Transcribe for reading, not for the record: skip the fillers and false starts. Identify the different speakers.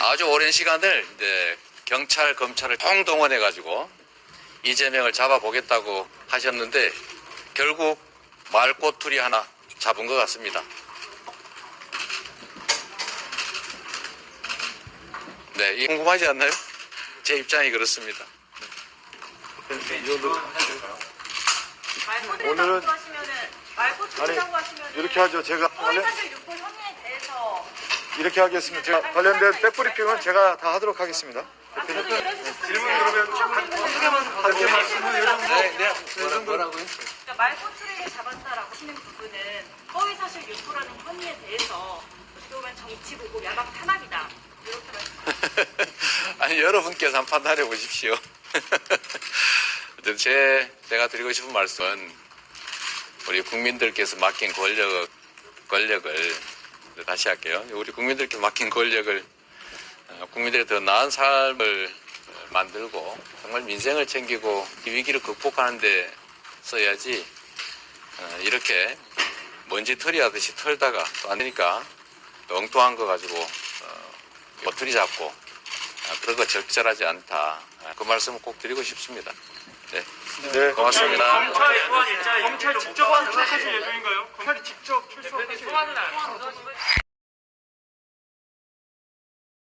Speaker 1: 아주 오랜 시간을 이제 경찰, 검찰을 총동원해가지고 이재명을 잡아보겠다고 하셨는데 결국 말꼬투리 하나 잡은 것 같습니다. 네, 이게 궁금하지 않나요? 제 입장이 그렇습니다.
Speaker 2: 오늘은
Speaker 3: 아니
Speaker 2: 이렇게 하죠. 제가
Speaker 3: 허위사실 유포 혐의에 대해서
Speaker 2: 이렇게 하겠습니다. 제가 관련된 백브리핑은 제가 다 하도록 하겠습니다.
Speaker 3: 질문
Speaker 1: 뭐라고요?
Speaker 3: 그러니까 말꼬투리를 잡았다라고 하시는 부분은 허위사실 유포라는 혐의에 대해서 어떻게 보면 정치 보고 야당 탄압이다 이렇게 말씀.
Speaker 1: 아니 여러분께서 한번 판단해 보십시오. 제가 드리고 싶은 말씀은 우리 국민들께서 맡긴 권력을 다시 할게요. 우리 국민들께 맡긴 권력을 국민들의 더 나은 삶을 만들고 정말 민생을 챙기고 이 위기를 극복하는 데 써야지 이렇게 먼지털이 하듯이 털다가 또 안 되니까 또 엉뚱한 거 가지고 꼬투리 잡고 그런 거 적절하지 않다. 그 말씀을 꼭 드리고 싶습니다. 네,
Speaker 2: 네,
Speaker 1: 고맙습니다.
Speaker 4: 검찰 직접 출석하실 예정인가요? 검찰이 직접 출석하실 예정인가요?